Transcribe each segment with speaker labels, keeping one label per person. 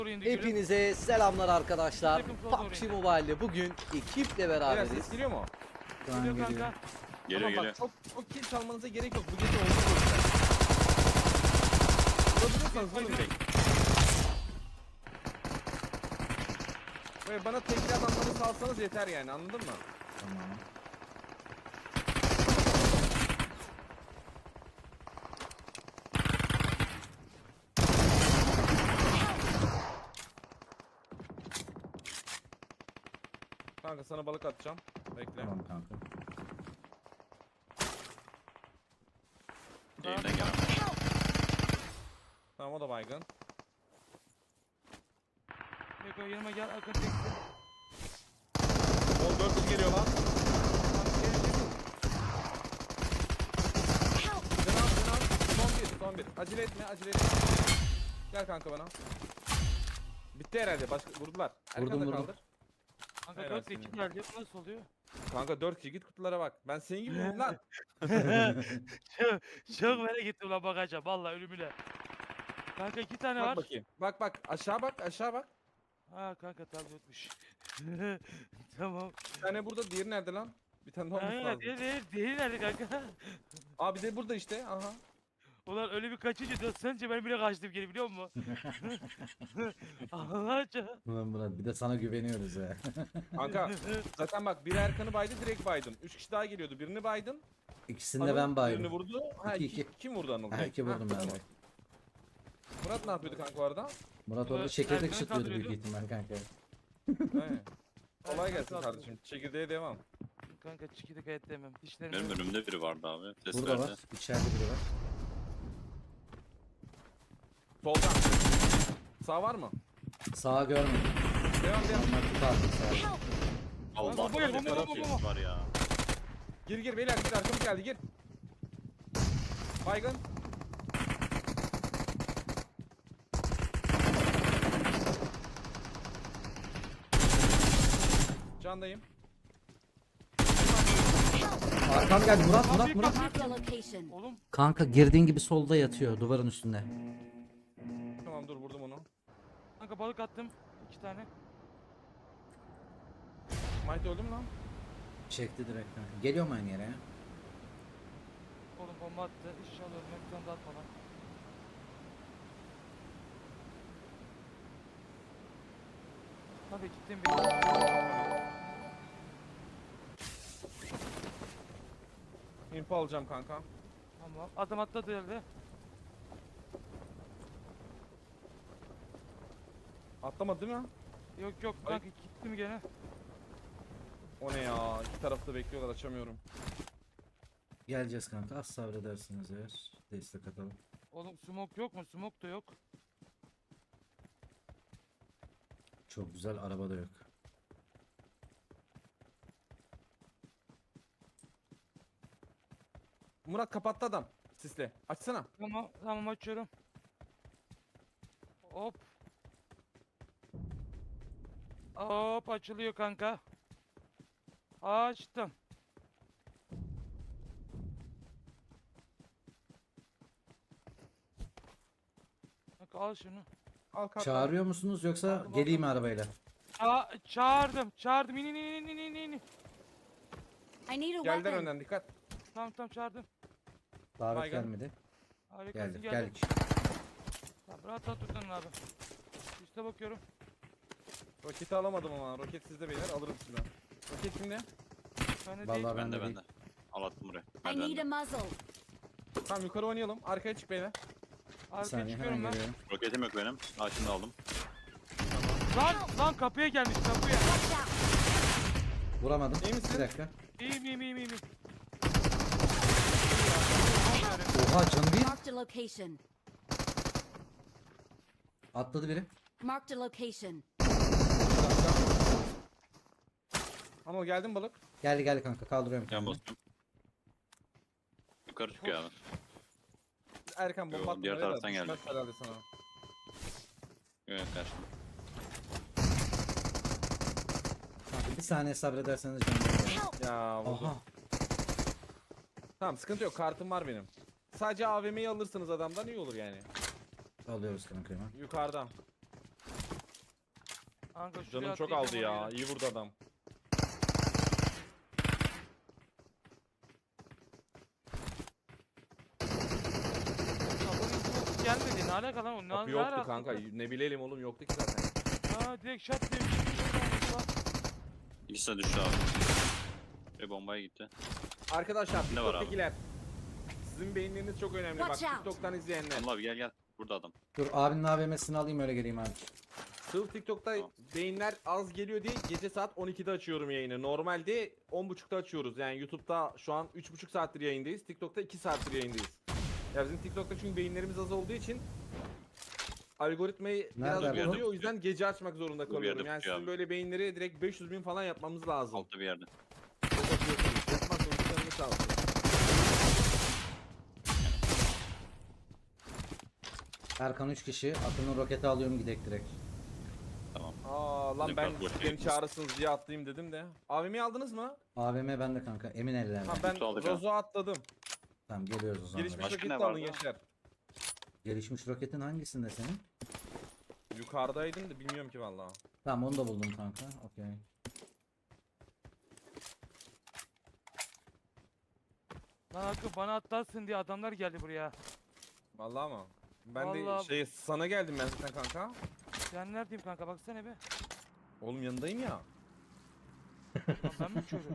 Speaker 1: Hepinize selamlar arkadaşlar. PUBG Mobile'de bugün ekiple beraberiz.
Speaker 2: Ses geliyor mu?
Speaker 3: Geliyor
Speaker 2: kanka.
Speaker 3: Geliyor
Speaker 2: Ama
Speaker 3: geliyor.
Speaker 2: bak çok kill çalmanıza gerek yok. Bu gece oldu. Vurabiliyorsanız vurun direkt. Böyle bana tekli adamları salsanız yeter yani, anladın mı?
Speaker 1: Tamam.
Speaker 2: Kanka sana balık atacağım. Bekle.
Speaker 1: Tamam kanka.
Speaker 3: Elimden gelen.
Speaker 2: Tamam, o da baygın.
Speaker 4: Beko yanıma gel, arka çekti.
Speaker 2: 14 geliyor lan. Son bir. Acele etme. Gel kanka bana. Bitti herhalde. Başka vurdular. Arkanda
Speaker 1: Vurdum.
Speaker 4: Kanka
Speaker 2: Helal
Speaker 4: 4
Speaker 2: senin.
Speaker 4: 2 geldi. Bu nasıl oluyor?
Speaker 2: Kanka 4 kişi, git kutulara bak. Ben senin gibi vurdum lan.
Speaker 4: Çok merak ettim lan, bakacağım vallahi ölümüne. Kanka 2 tane
Speaker 2: Bak
Speaker 4: var.
Speaker 2: bakayım. Bak aşağı bak.
Speaker 4: Ha kanka tabii yokmuş. Tamam.
Speaker 2: Bir tane burada, diğeri nerede lan? Bir tane daha olması
Speaker 4: Ha,
Speaker 2: lazım.
Speaker 4: değil nerede kanka?
Speaker 2: Aa, bir de burada işte. Aha.
Speaker 4: Ulan öyle bir kaçınca sence ben bile kaçtım geri, biliyor musun? Allah aşkına.
Speaker 1: Ulan Murat, bir de sana güveniyoruz ya.
Speaker 2: Kanka zaten bak, biri Erkan'ı baydı, direkt baydın. 3 kişi daha geliyordu. Birini baydın.
Speaker 1: İkisini de
Speaker 2: Anıl
Speaker 1: ben baydım.
Speaker 2: Birini vurdu. Ha,
Speaker 1: İki.
Speaker 2: kim vurdu Anıl?
Speaker 1: Ha, iki vurdum ben
Speaker 2: tamam.
Speaker 1: de.
Speaker 2: Murat ne yapıyordu kanka orada?
Speaker 1: Murat orada
Speaker 4: Murat
Speaker 1: çekirdek
Speaker 4: Erkan'ı
Speaker 1: çıtlıyordu büyük
Speaker 4: kaldırıyordu.
Speaker 1: ihtimal kanka.
Speaker 2: He. Kolay gelsin kardeşim. Çekirdeğe devam.
Speaker 4: Kanka çikidi kayıt demem. Dişlerim
Speaker 3: Benim
Speaker 4: yok.
Speaker 3: önümde biri vardı abi. Ses
Speaker 1: Burada
Speaker 3: verdi.
Speaker 1: var. İçeride biri var.
Speaker 2: Soldan. Sağ var mı?
Speaker 1: Sağa görmedim.
Speaker 2: Devam.
Speaker 1: Onlar tutardı sağa.
Speaker 3: Allah
Speaker 4: Bomba gel,
Speaker 3: ne
Speaker 4: bomba,
Speaker 3: kadar
Speaker 4: bomba,
Speaker 3: ses var ya.
Speaker 2: Gir beyler, gir, arkamız geldi, gir. Baygın. Candayım.
Speaker 1: Arkam geldi Murat.
Speaker 5: Marked a location.
Speaker 4: Oğlum
Speaker 1: Kanka girdiğin gibi solda yatıyor duvarın üstünde.
Speaker 2: Tamam, dur, vurdum onu.
Speaker 4: kanka balık attım. 2 tane.
Speaker 2: Might öldü mü lan?
Speaker 1: Çekti direkt kanka. Geliyor mu aynı yere ya?
Speaker 4: Oğlum bomba attı. İnşallah ölmem. Bir tane daha atma lan. Tabii gittim bir.
Speaker 2: Info alacağım kanka.
Speaker 4: Tamam. Adam atladı yerde.
Speaker 2: Atlamadı değil mi?
Speaker 4: Yok kanka gittim gene.
Speaker 2: O ne ya? İki tarafta bekliyorlar, açamıyorum.
Speaker 1: Geleceğiz kanka. Az sabredersiniz eğer. Destek atalım.
Speaker 4: Oğlum smoke yok mu? Smoke da yok.
Speaker 1: Çok güzel, araba da yok.
Speaker 2: Murat kapattı adam. Sisle. Açsana.
Speaker 4: Tamam açıyorum. Hop. Hop açılıyor kanka. Açtım. Kanka al şunu.
Speaker 2: Al kalk.
Speaker 1: Çağırıyor musunuz yoksa
Speaker 4: Aldım,
Speaker 1: geleyim mi arabayla?
Speaker 4: Çağırdım. İn.
Speaker 5: I need a
Speaker 2: Geldiler
Speaker 5: weapon.
Speaker 2: önden, dikkat.
Speaker 4: Tamam çağırdım.
Speaker 1: Davet
Speaker 2: Baygın.
Speaker 1: gelmedi.
Speaker 4: Harikasın,
Speaker 1: Geldik.
Speaker 4: Tamam, rahat durdun abi. Üste bakıyorum.
Speaker 2: Roketi alamadım ama. Roket sizde beyler, alırım sizden. Roket kimde?
Speaker 4: Bende
Speaker 1: Vallahi
Speaker 4: değil.
Speaker 1: ben de
Speaker 3: Bende. Al attım buraya.
Speaker 5: I need a
Speaker 3: Merdivende.
Speaker 5: muzzle.
Speaker 2: Tamam, yukarı oynayalım. Arkaya çık beyler.
Speaker 1: Bir
Speaker 4: Arkaya
Speaker 1: saniye
Speaker 4: çıkıyorum
Speaker 1: hemen
Speaker 4: ben.
Speaker 1: geliyorum.
Speaker 3: Roketim yok benim. Açını da aldım.
Speaker 4: Lan kapıya gelmiş kapıya.
Speaker 5: Watch out.
Speaker 1: Vuramadım.
Speaker 2: İyi misin?
Speaker 1: Bir dakika.
Speaker 4: İyiyim.
Speaker 1: Oha canı bir.
Speaker 5: Marked a location.
Speaker 1: Atladı biri.
Speaker 5: Marked a location.
Speaker 2: Anıl, geldin balık.
Speaker 1: Geldi kanka, kaldırıyorum
Speaker 3: Yan
Speaker 1: kendimi.
Speaker 3: basıyorum. Yukarı çıkıyor abi.
Speaker 2: Erkan
Speaker 3: Yo,
Speaker 2: bomba atma.
Speaker 3: diğer
Speaker 2: öyle de
Speaker 3: taraftan
Speaker 2: düşmez
Speaker 3: geldi.
Speaker 2: herhalde sana.
Speaker 3: Evet karşımda.
Speaker 1: Kanka bir saniye sabrederseniz canım.
Speaker 5: Help.
Speaker 2: Ya vurdu.
Speaker 1: Aha.
Speaker 2: Tamam, sıkıntı yok, kartım var benim. Sadece AVM'yi alırsınız adamdan, iyi olur yani.
Speaker 1: Alıyoruz kanka hemen.
Speaker 2: Yukarıdan.
Speaker 4: Kanka şuraya
Speaker 2: Canım çok
Speaker 4: atlayacağım,
Speaker 2: aldı ya.
Speaker 4: oraya.
Speaker 2: İyi vurdu adam.
Speaker 4: Kapının smoke gelmedi. Ne alaka lan o?
Speaker 2: Kapı
Speaker 4: Ne
Speaker 2: yoktu
Speaker 4: alaka?
Speaker 2: kanka. Ne bilelim oğlum, yoktu ki zaten.
Speaker 4: Ha direkt shot diye bir şey olmuş lan.
Speaker 3: İkisi de düştü abi. Ve bombaya gitti.
Speaker 2: Arkadaşlar
Speaker 3: Ne var abi?
Speaker 2: TikTok'takiler. Sizin beyinleriniz çok önemli. Bak
Speaker 5: Watch out.
Speaker 2: TikTok'tan izleyenler.
Speaker 3: Anıl abi gel. Burada adam.
Speaker 1: Dur abinin AVM'sini alayım öyle geleyim abi.
Speaker 2: Sırf TikTok'ta
Speaker 3: Tamam.
Speaker 2: beyinler az geliyor diye gece saat 12'de açıyorum yayını. Normalde 10.30'da açıyoruz. Yani YouTube'da şu an 3.5 saattir yayındayız. TikTok'ta 2 saattir yayındayız. Ya bizim TikTok'ta çünkü beyinlerimiz az olduğu için algoritmayı biraz
Speaker 1: Nerede bu?
Speaker 2: bozuyor. O yüzden gece açmak zorunda
Speaker 3: Bu bir yerde
Speaker 2: kalıyorum. Yani
Speaker 3: tutuyor
Speaker 2: sizin
Speaker 3: abi.
Speaker 2: böyle beyinleri direkt 500.000 falan yapmamız lazım.
Speaker 3: Altta bir yerde.
Speaker 2: Çok atıyorsunuz. Yapmazsanız canınız sağ olsun.
Speaker 1: Erkan 3 kişi. Akın'ın roketi alıyorum gidek direkt.
Speaker 3: Tamam.
Speaker 2: Aa lan
Speaker 3: Bizim
Speaker 2: ben
Speaker 3: kalk boş
Speaker 2: beni
Speaker 3: yayındayız.
Speaker 2: çağırırsınız diye atlayayım dedim de. AVM'yi aldınız mı?
Speaker 1: AVM bende kanka. Emin ellerde.
Speaker 2: Ha ben
Speaker 3: Kutu aldık ha.
Speaker 2: Rozo'ya atladım.
Speaker 1: Tamam geliyoruz o zaman.
Speaker 2: Gelişmiş
Speaker 3: Başka
Speaker 2: roket
Speaker 3: ne
Speaker 2: de alın
Speaker 3: vardı?
Speaker 2: gençler.
Speaker 1: Gelişmiş roketin hangisinde senin?
Speaker 2: Yukarıdaydın da bilmiyorum ki vallahi.
Speaker 1: Tamam onu da buldum kanka. Okey.
Speaker 4: Lan Hakkı bana atlarsın diye adamlar geldi buraya.
Speaker 2: Vallahi mı? Ben
Speaker 4: Vallahi-
Speaker 2: de sana geldim ben zaten kanka.
Speaker 4: Ben neredeyim kanka baksana be.
Speaker 2: Oğlum yanındayım ya.
Speaker 4: Lan ben mi körüm?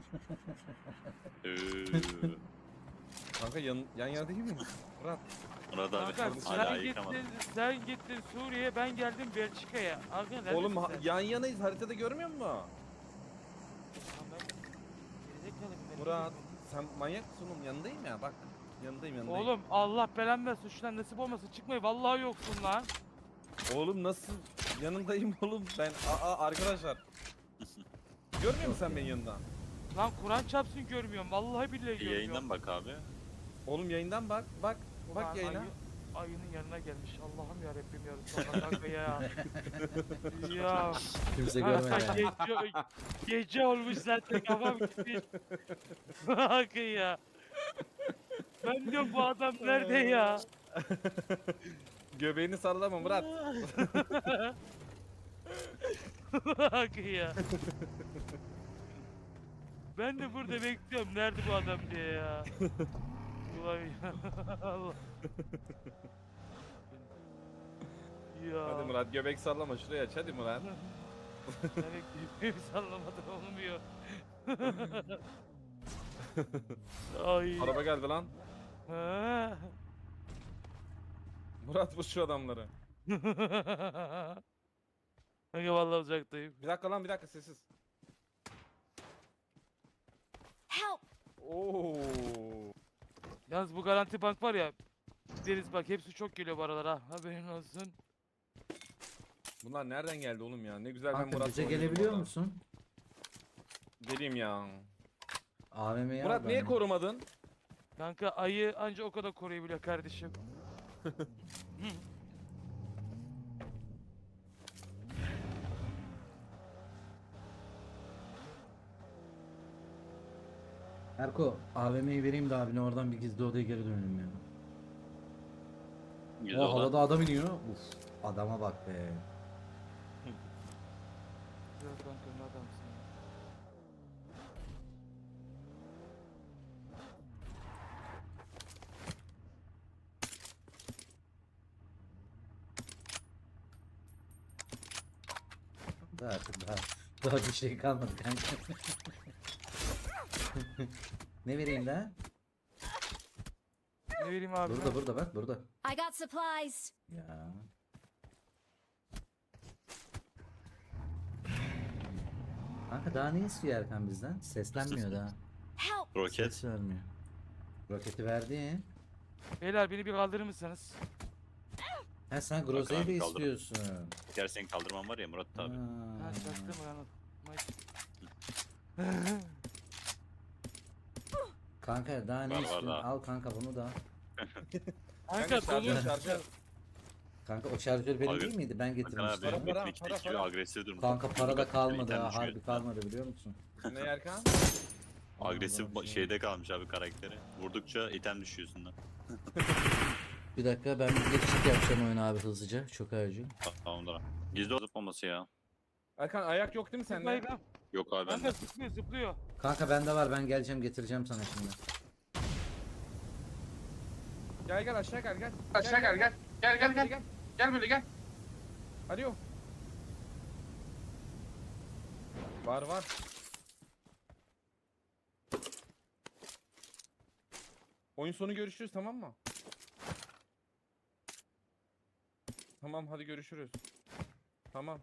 Speaker 2: Kanka yan yana değil mi? Murat.
Speaker 3: Murat abi
Speaker 4: Kanka
Speaker 3: hala
Speaker 4: sen
Speaker 3: yıkamadım.
Speaker 4: gittin Suriye'ye, ben geldim Belçika'ya. Hakkı neredesin
Speaker 2: Oğlum
Speaker 4: sen?
Speaker 2: yan yanayız, haritada görmüyor musun?
Speaker 4: Lan ben- Gerizekalıyım ben,
Speaker 2: Murat
Speaker 4: gerizekalıyım.
Speaker 2: sen manyak mısın oğlum? Yanındayım ya bak. Yanındayım.
Speaker 4: Oğlum Allah belanı versin, şuradan nasip olmasın, çıkmayı vallahi yoksun lan.
Speaker 2: Oğlum nasıl? Yanındayım oğlum ben. Arkadaşlar. Görmüyor musun sen beni yanında?
Speaker 4: Lan Kur'an çarpsın görmüyorum, vallahi billahi görmüyorum.
Speaker 3: Yayından bak abi.
Speaker 2: Oğlum yayından bak. Bak
Speaker 4: Ulan
Speaker 2: yayına.
Speaker 4: Ayının yanına gelmiş. Allah'ım ya Rabbim ya Resulallah kanka ya. Ya
Speaker 1: Kimse
Speaker 4: kanka
Speaker 1: görmedi.
Speaker 4: gece olmuş zaten, kafam gitmiş. Kanka ya. Ben diyorum bu adam nerede ya?
Speaker 2: Göbeğini sallama Murat.
Speaker 4: Kanka ya. Ben de burada bekliyorum nerede bu adam diye ya. Ulan ya. Allah. Ya.
Speaker 2: Hadi Murat göbek sallama, şuraya aç hadi Murat.
Speaker 4: Evet, bir sallamadan olmuyor. Ay.
Speaker 2: Araba geldi lan.
Speaker 4: Ha.
Speaker 2: Murat vur şu adamları.
Speaker 4: Kanka vallahi uzaktayım.
Speaker 2: Bir dakika lan, bir dakika sessiz.
Speaker 5: Help!
Speaker 2: Oo.
Speaker 4: Yalnız bu Garanti Bank var ya. Deniz bak hepsi çok geliyor bu aralar ha. Haberin olsun.
Speaker 2: Bunlar nereden geldi oğlum ya? Ne güzel ben
Speaker 1: Kanka
Speaker 2: Murat'la
Speaker 1: bize
Speaker 2: oynuyordum
Speaker 1: gelebiliyor
Speaker 2: orada.
Speaker 1: musun?
Speaker 2: Geleyim ya.
Speaker 1: AVM'yi al
Speaker 2: Murat niye
Speaker 1: benden.
Speaker 2: korumadın?
Speaker 4: Kanka ayı anca o kadar koruyabiliyor kardeşim.
Speaker 1: Erko AVM'yi vereyim de abine oradan bir gizli odaya geri dönelim ya.
Speaker 3: Güzel
Speaker 1: O
Speaker 3: olan.
Speaker 1: havada adam iniyor. Uf adama bak be.
Speaker 4: Güzel kanka ne adamsın ya.
Speaker 1: Daha bir şey kalmadı kanka. Ne vereyim daha?
Speaker 4: Ne vereyim abi?
Speaker 1: Burada bak burada.
Speaker 5: I got supplies.
Speaker 1: Ya. Kanka daha ne istiyor Erkan bizden? Seslenmiyor daha.
Speaker 5: Help!
Speaker 3: Roket.
Speaker 1: Ses vermiyor. Roketi verdi.
Speaker 4: Beyler beni bir kaldırır mısınız?
Speaker 1: Ha sen Groza'yı da
Speaker 3: abi, kaldırın.
Speaker 1: istiyorsun.
Speaker 3: Gel senin kaldırman var ya Murat abi.
Speaker 4: Ha
Speaker 1: Ha.
Speaker 4: çaktım lan.
Speaker 1: Kanka daha ne
Speaker 3: Var, var
Speaker 1: istiyorsun?
Speaker 3: daha.
Speaker 1: Al kanka bunu da.
Speaker 4: Kanka
Speaker 2: şarjör
Speaker 4: dolu.
Speaker 2: şarjör.
Speaker 1: Kanka o şarjör benim
Speaker 3: Abi,
Speaker 1: değil miydi? Ben
Speaker 3: Bakın
Speaker 1: getirmiştim.
Speaker 3: abi
Speaker 2: para,
Speaker 3: Metin
Speaker 2: para,
Speaker 3: 2
Speaker 2: para.
Speaker 3: agresif durumda.
Speaker 1: Kanka para da kalmadı
Speaker 3: İnternet
Speaker 1: ha.
Speaker 3: düşüyor.
Speaker 1: Harbi kalmadı biliyor musun?
Speaker 2: Ne Erkan?
Speaker 3: Agresif
Speaker 1: Allah'ım.
Speaker 3: şeyde kalmış abi karakteri. Vurdukça item düşüyor üstünden.
Speaker 1: Bir dakika ben bir geçiş yapacağım oyuna abi hızlıca. Çok acil.
Speaker 3: Tamamdır abi. Gizli zıplaması ya.
Speaker 2: Erkan ayak yok değil mi sende?
Speaker 4: Baygın.
Speaker 3: Yok abi
Speaker 4: Kanka
Speaker 3: bende.
Speaker 4: zıplıyor zıplıyor.
Speaker 1: Kanka bende var, ben geleceğim getireceğim sana şimdi.
Speaker 2: Gel gel aşağı gel.
Speaker 6: Aşağı gel gel. Gel gel gel.
Speaker 2: Gel.
Speaker 6: Gel böyle gel.
Speaker 2: Alo. Var. Oyun sonu görüşürüz, tamam mı? Tamam hadi görüşürüz. Tamam.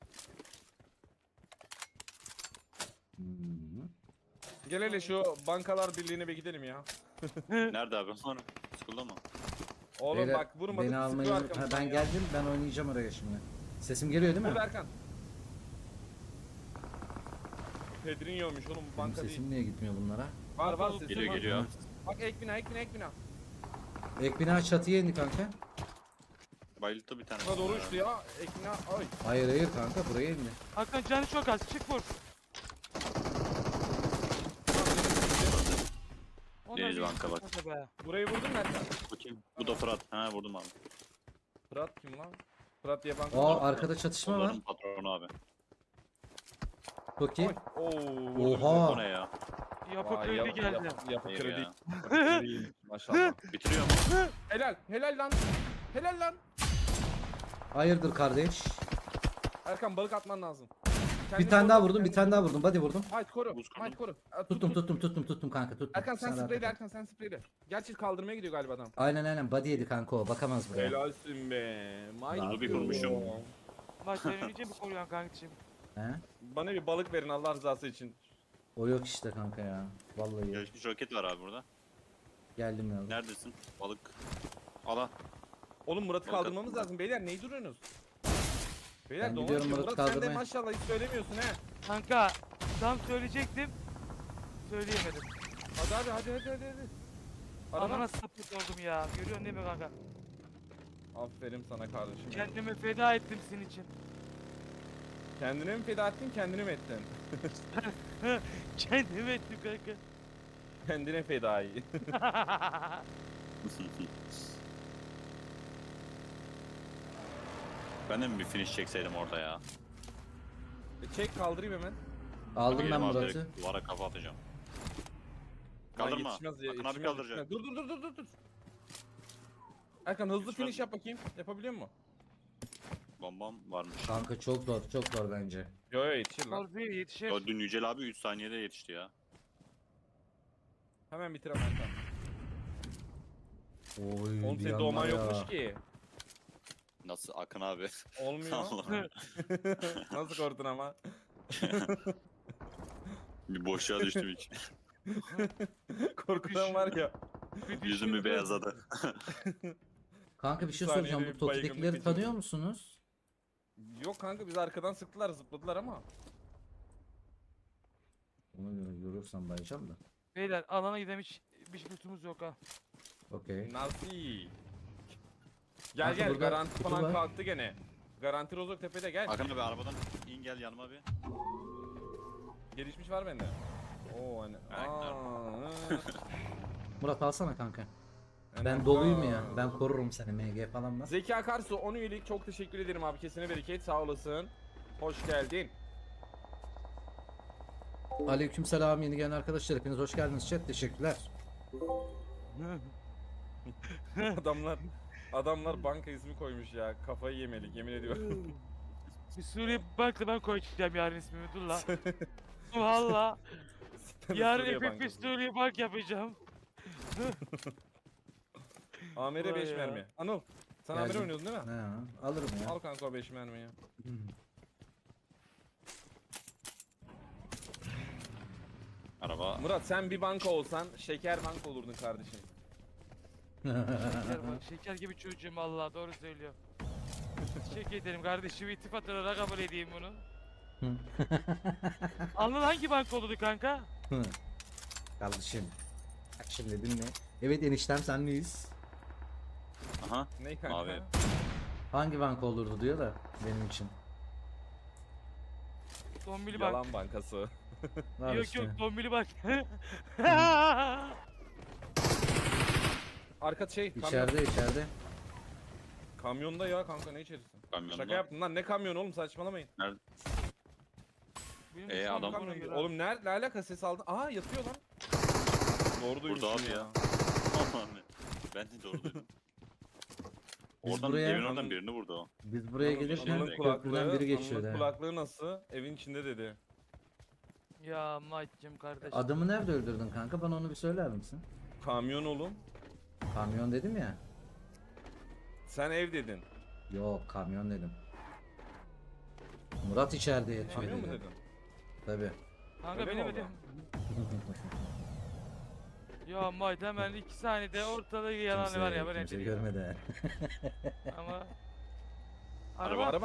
Speaker 2: Gel hele şu bankalar birliğine bir gidelim ya.
Speaker 3: Nerede abi? School'da mı?
Speaker 2: Oğlum
Speaker 1: Beyler,
Speaker 2: bak vurmadık.
Speaker 1: beni almayı
Speaker 2: sıkıyor
Speaker 1: ha,
Speaker 2: arkamızdan
Speaker 1: ben
Speaker 2: ya.
Speaker 1: geldim, ben oynayacağım oraya şimdi. Sesim geliyor değil mi?
Speaker 2: Burada Erkan. Pedrinho'ymuş oğlum bu
Speaker 1: Benim
Speaker 2: banka değil.
Speaker 1: sesim niye gitmiyor bunlara?
Speaker 2: Var sesim
Speaker 3: Geliyor
Speaker 2: var.
Speaker 3: geliyor.
Speaker 2: Bak ek bina.
Speaker 1: Ek bina çatıya indi kanka.
Speaker 3: Bayılttı bir tane.
Speaker 2: Buna doğru uçtu ya. Ek bina. Ay.
Speaker 1: Hayır kanka, buraya indi.
Speaker 4: Hakan canı çok az çık vur. Ondan
Speaker 3: Deniz
Speaker 4: bir
Speaker 3: banka bak.
Speaker 4: kanka be.
Speaker 2: Burayı vurdun mu Erkan?
Speaker 3: Bu kim? Bu da Fırat. Ha vurdum abi.
Speaker 2: Fırat kim lan? Fırat diye banka.
Speaker 1: Aa, arkada çatışma var.
Speaker 3: Onların patronu abi.
Speaker 1: Çok iyi.
Speaker 2: Oo.
Speaker 1: Oha.
Speaker 3: O ne ya?
Speaker 4: Yapı
Speaker 2: Vay,
Speaker 4: kredi geldi.
Speaker 2: Yapı
Speaker 3: Hayır
Speaker 2: kredi.
Speaker 3: ya.
Speaker 2: Yapı kredi. Maşallah.
Speaker 3: Bitiriyor mu?
Speaker 2: Helal lan. Helal lan.
Speaker 1: Hayırdır kardeş?
Speaker 2: Erkan balık atman lazım.
Speaker 1: Bir tane daha vurdum, bir tane daha vurdum. Body vurdum.
Speaker 2: Haydi koru.
Speaker 3: Buz kurdum.
Speaker 2: Haydi koru.
Speaker 1: Tuttum kanka, tuttum.
Speaker 2: Erkan sen
Speaker 1: rahat
Speaker 2: spreyle
Speaker 1: ol.
Speaker 2: Erkan sen spreyle. Gerçi kaldırmaya gidiyor galiba adam.
Speaker 1: Aynen body yedi kanka o, bakamaz buraya.
Speaker 2: Helalsin be.
Speaker 1: Buzu
Speaker 3: bir vurmuşum.
Speaker 4: Bak sen önce mi koruyorsun kankacığım?
Speaker 1: He?
Speaker 2: Bana bir balık verin Allah rızası için.
Speaker 1: O yok işte kanka ya. Vallahi yok.
Speaker 3: Gelişmiş roket var abi burada.
Speaker 1: Geldim ya.
Speaker 3: Neredesin? Balık. Ala.
Speaker 2: Oğlum Murat'ı
Speaker 3: Balık
Speaker 2: kaldırmamız
Speaker 3: atma.
Speaker 2: lazım. Beyler neyi duruyorsunuz? Beyler
Speaker 1: Ben
Speaker 2: dolan
Speaker 1: gidiyorum
Speaker 2: açıyor.
Speaker 1: Murat'ı
Speaker 2: Murat sen de
Speaker 1: kaldırmaya.
Speaker 2: maşallah hiç söylemiyorsun he.
Speaker 4: Kanka tam söyleyecektim. Söyleyemedim.
Speaker 2: Hadi. Araba.
Speaker 4: Anana sapık oldum ya. Görüyorsun değil mi kanka?
Speaker 2: Aferin sana kardeşim.
Speaker 4: Kendimi feda ettim senin için.
Speaker 2: Kendine mi feda ettin kendini mi ettin?
Speaker 4: Kendimi ettim kanka.
Speaker 2: Kendine fedai.
Speaker 3: Ben de mi bir finish çekseydim orada ya?
Speaker 2: Çek kaldırayım hemen.
Speaker 1: Aldım ben
Speaker 3: Geldim abi,
Speaker 1: Murat'ı.
Speaker 3: direkt Duvara kafa atacağım.
Speaker 2: Lan
Speaker 3: Kaldırma.
Speaker 2: yetişmez ya,
Speaker 3: Akın abi
Speaker 2: yetişmez,
Speaker 3: kaldıracak.
Speaker 2: yetişmez. Dur. Erkan hızlı
Speaker 3: Yetişmez
Speaker 2: finish
Speaker 3: mi?
Speaker 2: yap bakayım. Yapabiliyor musun?
Speaker 3: Bombam varmış.
Speaker 1: Kanka çok zor bence.
Speaker 2: Yo yetişir lan.
Speaker 4: Zor değil yetişir.
Speaker 3: Ya dün Yücel abi 3 saniyede yetişti ya.
Speaker 2: Hemen bitir hemen Erkan.
Speaker 1: Oy,
Speaker 2: Oğlum
Speaker 1: bir
Speaker 2: senin
Speaker 1: anda
Speaker 2: doğman
Speaker 1: ya.
Speaker 2: yokmuş ki.
Speaker 3: Nasıl Akın abi?
Speaker 2: Olmuyor.
Speaker 3: Allah'ım.
Speaker 2: Nasıl korktun ama?
Speaker 3: Bir boşluğa düştüm hiç.
Speaker 2: Korkudan var ya.
Speaker 3: Yüzümü beyazladı.
Speaker 1: Kanka bir şey
Speaker 2: Bir
Speaker 1: soracağım.
Speaker 2: saniyede
Speaker 1: Bu
Speaker 2: bir baygınlık
Speaker 1: Toki'dekileri
Speaker 2: geçirdim.
Speaker 1: tanıyor musunuz?
Speaker 2: Yok kanka biz arkadan sıktılar zıpladılar ama.
Speaker 1: Ona göre görürsem bayacağım da.
Speaker 4: Beyler alana gidelim hiç lütumuz yok ha.
Speaker 1: Okey.
Speaker 2: Nasıl?
Speaker 1: Kanka
Speaker 2: Gel
Speaker 1: burada
Speaker 2: garanti
Speaker 1: kutu
Speaker 2: falan
Speaker 1: var.
Speaker 2: kalktı gene. Garanti Rozok tepede gel.
Speaker 3: Akın abi arabadan in gel yanıma bir.
Speaker 2: Gelişmiş var bende. Oo hani.
Speaker 1: Murat alsana kanka.
Speaker 2: Yani-
Speaker 1: Ben doluyum ya. Ben korurum seni, MG falan var.
Speaker 2: Zeki Akarsu 10 üyelik çok teşekkür ederim abi. Kesine bereket sağ olasın. Hoş geldin.
Speaker 1: Aleykümselam yeni gelen arkadaşlar, hepiniz hoş geldiniz chat, teşekkürler.
Speaker 2: Adamlar banka ismi koymuş ya. Kafayı yemelik yemin ediyorum.
Speaker 4: Bir Suriye bankla ben koyacağım yarın ismimi dur la. Valla. Yarın
Speaker 2: Suriye
Speaker 4: FFP
Speaker 2: Bankası.
Speaker 4: Suriye bank yapacağım.
Speaker 2: Amer'e
Speaker 4: Vay
Speaker 2: 5
Speaker 4: ya.
Speaker 2: mermi. Anıl. Sen
Speaker 1: Geldim.
Speaker 2: Amer'e oynuyordun değil mi?
Speaker 1: He, alırım ya.
Speaker 2: Al kanka o 5 mermiyi.
Speaker 3: Araba.
Speaker 2: Murat sen bir banka olsan şeker banka olurdun kardeşim.
Speaker 4: Şeker gibi çocuğum Allah doğru söylüyor. Teşekkür ederim kardeşim iltifat olarak kabul edeyim bunu. Anıl hangi bank oldu kanka?
Speaker 1: Kardeşim. Bak şimdi dinle. Evet eniştem, senleyiz.
Speaker 3: Aha.
Speaker 2: Ne kanka?
Speaker 3: Abi.
Speaker 1: Hangi banka olurdu diyor da benim için.
Speaker 4: Dombili bank.
Speaker 2: Yalan bankası.
Speaker 1: Var
Speaker 4: Yok
Speaker 1: işte.
Speaker 4: yok Dombili bank.
Speaker 2: Arka şey kamyon.
Speaker 1: İçeride.
Speaker 2: Kamyonda ya kanka ne içerisi?
Speaker 3: Kamyonda.
Speaker 2: Şaka yaptım lan ne kamyon oğlum saçmalamayın.
Speaker 4: Benim
Speaker 3: Ee,
Speaker 4: uçağım
Speaker 3: adam-
Speaker 4: bana
Speaker 2: Kamyon
Speaker 4: göre.
Speaker 2: gibi. Oğlum ne alaka ses aldın? Aa yatıyor lan. Doğru duymuşum
Speaker 3: Burada abi ya. Aman be. Ben de doğru duydum.
Speaker 1: Biz
Speaker 3: Oradan
Speaker 1: buraya-
Speaker 3: evin oradan birini vurdu o.
Speaker 1: Biz buraya
Speaker 2: Anıl'ın
Speaker 1: gelirken
Speaker 3: Anıl'ın
Speaker 1: köprüden biri geçiyordu.
Speaker 2: Anıl'ın
Speaker 1: ha.
Speaker 2: kulaklığı nasıl? Evin içinde dedi.
Speaker 4: Ya Mike'cim kardeşim.
Speaker 1: Adamı nerede öldürdün kanka? Bana onu bir söyler misin?
Speaker 2: Kamyon oğlum.
Speaker 1: Kamyon dedim ya.
Speaker 2: Sen ev dedin.
Speaker 1: Yok kamyon dedim. Murat içeride yatıyor
Speaker 2: Kamyon mu
Speaker 1: dedi.
Speaker 2: dedin?
Speaker 1: Tabii.
Speaker 4: Kanka
Speaker 2: Öyle mi
Speaker 4: bilemedim. Ya Mike hemen 2 saniyede ortada yalan var ya ben
Speaker 1: Kimse
Speaker 4: edeyim.
Speaker 1: görmedi.
Speaker 4: Ama
Speaker 2: Araba araba.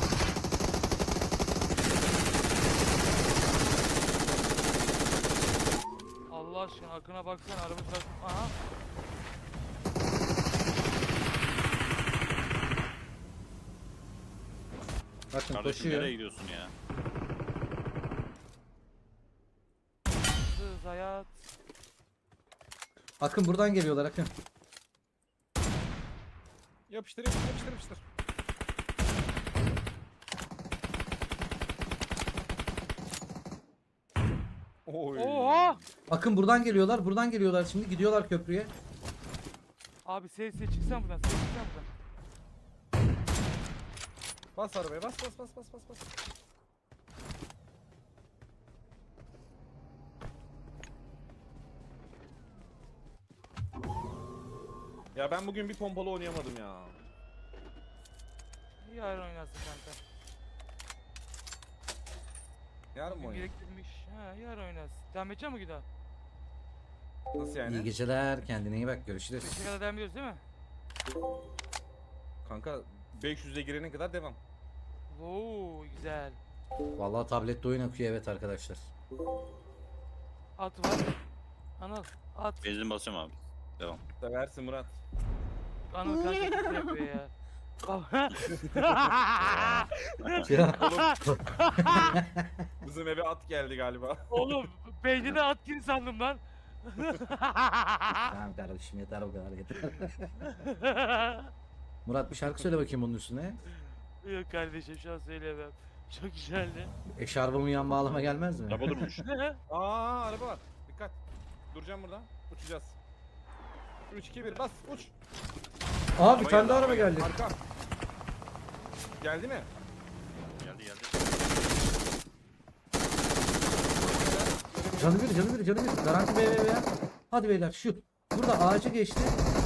Speaker 4: Allah aşkına Akın'a baksana araba bak. Aha.
Speaker 1: Bakın
Speaker 3: Kardeşim nereye
Speaker 1: koşuyor.
Speaker 3: gidiyorsun ya?
Speaker 4: Hız hayat.
Speaker 1: Akın buradan geliyorlar Akın.
Speaker 2: Yapıştır yapıştır yapıştır yapıştır. Oy.
Speaker 4: Oha!
Speaker 1: Akın buradan geliyorlar. Buradan geliyorlar şimdi. Gidiyorlar köprüye.
Speaker 4: Abi ses çıksan buradan ses çıksan buradan.
Speaker 2: Bas arabaya bas bas bas bas bas bas. Ya ben bugün bir pompalı oynayamadım ya.
Speaker 4: Yarın oynasın kanka.
Speaker 2: Yarın mı
Speaker 4: Bugün
Speaker 2: oynayayım?
Speaker 4: gerektirmiş. Ha yarın oynasın. Devam edecek mi Güda?
Speaker 2: Nasıl yani?
Speaker 1: İyi geceler. Kendine iyi bak. Görüşürüz.
Speaker 4: 5'e kadar devam ediyoruz değil mi?
Speaker 2: Kanka 500'e girene kadar devam.
Speaker 4: Oo güzel.
Speaker 1: Vallahi tablette oyun akıyor evet arkadaşlar.
Speaker 4: At var. Anıl at.
Speaker 3: Benzin basıyorum abi. Devam.
Speaker 2: Seversin Murat.
Speaker 4: Anıl kanka kötü yapıyor ya.
Speaker 1: Ya.
Speaker 2: Bizim eve at geldi galiba.
Speaker 4: Oğlum beynine at gir sandım lan.
Speaker 1: Tamam kardeşim yeter o kadar yeter. Murat bir şarkı söyle bakayım bunun üstüne.
Speaker 4: Yok kardeşim şu an söyleyemem. Çok güzeldi.
Speaker 1: Eşarbımı yan bağlama gelmez mi?
Speaker 3: Araba durmuş.
Speaker 2: Aa araba var. Dikkat. Duracağım burada. Uçacağız. 3 2 1 bas uç.
Speaker 1: Aa bir tane daha araba geldi.
Speaker 2: Arka. Geldi mi?
Speaker 3: Geldi geldi.
Speaker 1: Canı bir canı bir canı bir. Garanti BBB ya. Hadi beyler şu. Burada ağacı geçti.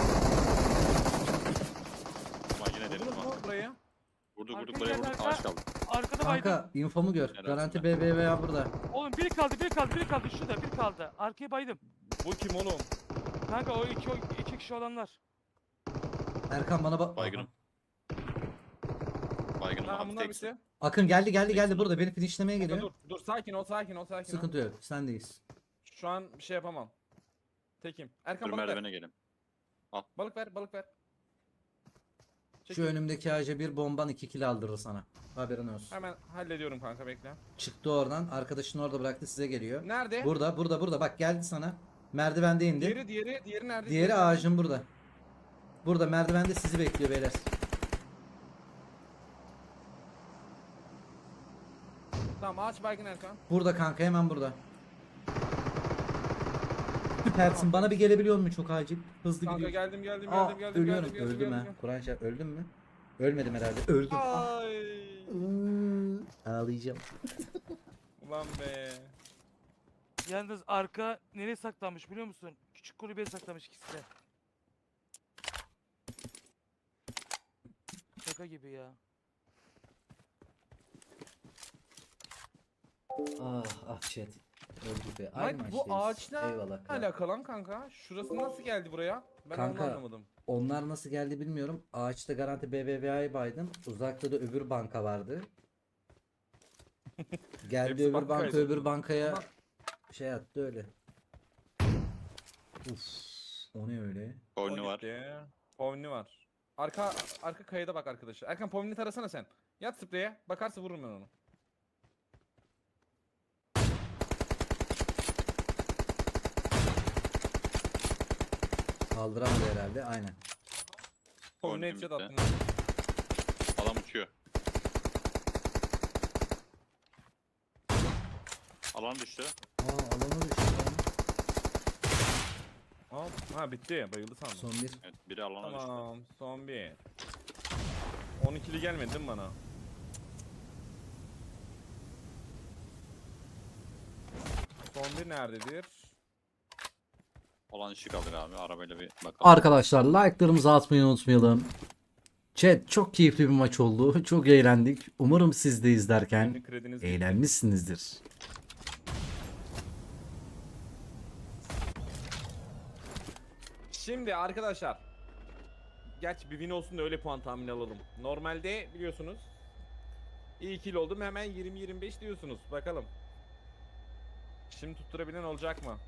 Speaker 3: Ulan yine dedim
Speaker 2: Vurdunuz mu
Speaker 3: ama.
Speaker 2: burayı?
Speaker 3: Vurduk vurduk
Speaker 4: Arkaya
Speaker 3: buraya
Speaker 4: gel,
Speaker 3: vurduk.
Speaker 4: arka.
Speaker 3: Ağaç kaldı.
Speaker 4: Arkada baydım.
Speaker 1: Kanka infomu gör.
Speaker 3: Helal
Speaker 1: Garanti
Speaker 3: olsun.
Speaker 1: BBB ya burada.
Speaker 4: Oğlum biri kaldı biri kaldı biri kaldı şurada biri kaldı. Arkaya baydım.
Speaker 2: Bu kim oğlum?
Speaker 4: Kanka o iki kişi olanlar.
Speaker 1: Erkan bana bak.
Speaker 3: Baygınım. Baygınım
Speaker 2: Tamam
Speaker 3: abi
Speaker 2: bunlar
Speaker 3: teksin.
Speaker 2: bitti.
Speaker 1: Akın geldi burada. Beni finishlemeye
Speaker 2: Kanka,
Speaker 1: geliyor.
Speaker 2: dur sakin ol sakin ol sakin ol.
Speaker 1: Sıkıntı yok. Sendeyiz.
Speaker 2: Şu an bir şey yapamam. Tekim. Erkan
Speaker 3: Dur
Speaker 2: balık ver.
Speaker 3: merdivene gelin.
Speaker 2: Balık ver balık ver.
Speaker 1: Şu
Speaker 2: Çekil.
Speaker 1: önümdeki ağaca bir bomban 2 kill aldırır sana. Haberin olsun.
Speaker 2: Hemen hallediyorum kanka bekle.
Speaker 1: Çıktı oradan. Arkadaşını orada bıraktı size geliyor.
Speaker 2: Nerede?
Speaker 1: Burada. Bak geldi sana. Merdivende indi.
Speaker 2: Diğeri nerede?
Speaker 1: Diğeri ağacın burada. Burada merdivende sizi bekliyor beyler.
Speaker 2: Tamam ağaç baygın Erkan.
Speaker 1: Burada kanka hemen burada. Süpersin. Bana bir gelebiliyor mu çok acil? Hızlı
Speaker 2: Kanka
Speaker 1: gidiyor.
Speaker 2: geldim
Speaker 1: Ölüyorum.
Speaker 2: geldim,
Speaker 1: Öldüm ha.
Speaker 2: geldim.
Speaker 1: Kur'an şah öldüm mü? Ölmedim herhalde. Öldüm. Ah.
Speaker 2: Ay.
Speaker 1: Ağlayacağım.
Speaker 2: Ulan be.
Speaker 4: Yalnız arka nereye saklanmış biliyor musun? Küçük kulübeye saklanmış ikisi de. Şaka gibi ya.
Speaker 1: Ah chat. Öldük be.
Speaker 2: Mike bu ağaçla
Speaker 1: Eyvallah. kral.
Speaker 2: alakalı lan kanka. Şurası nasıl geldi buraya? Ben
Speaker 1: Kanka,
Speaker 2: onu anlamadım.
Speaker 1: Onlar nasıl geldi bilmiyorum. Ağaçta garanti BBVA'yı baydım. Uzakta da öbür banka vardı. Geldi
Speaker 2: Hepsi
Speaker 1: öbür banka
Speaker 2: bankaydı.
Speaker 1: öbür bankaya
Speaker 2: Ama-
Speaker 1: şey attı öyle. Uf, o ne öyle?
Speaker 3: Oyunu var.
Speaker 2: Povni var. Arka kayada bak arkadaşlar. Erkan Povni tarasana sen. Yat spreye. Bakarsa vururum ben onu.
Speaker 1: Kaldıramadı herhalde. Aynen.
Speaker 2: Povni
Speaker 3: Povni
Speaker 2: headshot
Speaker 3: bitti.
Speaker 2: attım.
Speaker 3: Adam uçuyor. Alan düştü.
Speaker 1: Alanı düştü lan.
Speaker 2: Ha bitti. Bayıldı sandım.
Speaker 1: Son bir.
Speaker 3: Evet, biri alana düştü.
Speaker 2: Tamam. Son bir. 12'li gelmedi değil mi bana? Son bir nerededir?
Speaker 3: Olan işi kalır abi. Arabayla bir bakalım.
Speaker 1: Arkadaşlar like'larımızı atmayı unutmayalım. Chat çok keyifli bir maç oldu. Çok eğlendik. Umarım siz de izlerken
Speaker 2: Kendi krediniz bitti.
Speaker 1: eğlenmişsinizdir.
Speaker 2: Şimdi arkadaşlar. Gerçi bir win olsun da öyle puan tahmini alalım. Normalde biliyorsunuz. İyi kill oldum hemen 20-25 diyorsunuz. Bakalım. Şimdi tutturabilen olacak mı?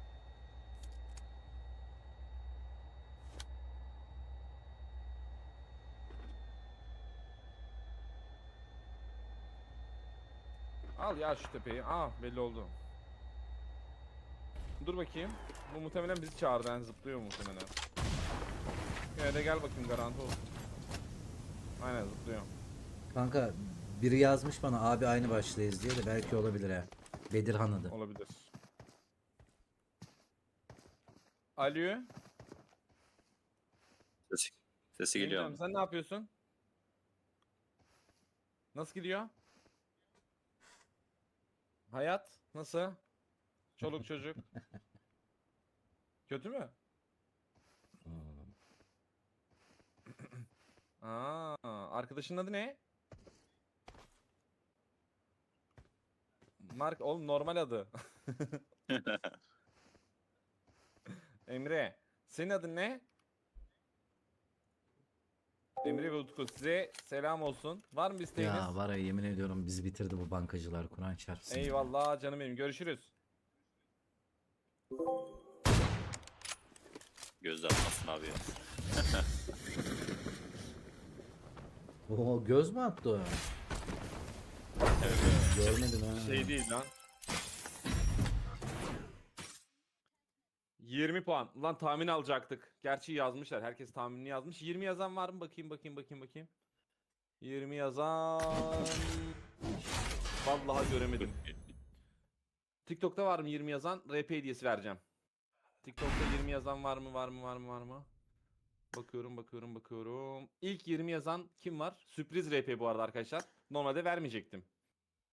Speaker 2: Al ya şu tepeyi. Belli oldu. Dur bakayım. Bu muhtemelen bizi çağırdı. Yani zıplıyor muhtemelen. Yine de gel bakayım garanti olsun. Aynen zıplıyor.
Speaker 1: Kanka biri yazmış bana abi aynı başlıyız diye de belki olabilir ha. Bedirhan adı.
Speaker 2: Olabilir. Alo.
Speaker 3: Sesi geliyor
Speaker 2: Emre'm,
Speaker 3: abi.
Speaker 2: sen ne yapıyorsun? Nasıl gidiyor? Hayat nasıl? Çoluk çocuk. Kötü mü? Arkadaşın adı ne? Mark oğlum normal adı. Emre. Senin adın ne? Emre ve Utku size selam olsun. Var mı bir isteğiniz?
Speaker 1: Ya var ya yemin ediyorum bizi bitirdi bu bankacılar Kur'an çarpsın.
Speaker 2: Eyvallah canım benim. Görüşürüz.
Speaker 3: Gözde atmasın abi ya.
Speaker 1: Oo göz mü attı o?
Speaker 3: Evet.
Speaker 1: Görmedim ha.
Speaker 2: Şey değil lan. 20 puan. Lan tahmin alacaktık. Gerçi yazmışlar. Herkes tahminini yazmış. 20 yazan var mı? Bakayım. 20 yazan... Vallahi göremedim. TikTok'ta var mı 20 yazan? RP hediyesi vereceğim. TikTok'ta 20 yazan var mı? Bakıyorum. İlk 20 yazan kim var? Sürpriz RP bu arada arkadaşlar. Normalde vermeyecektim.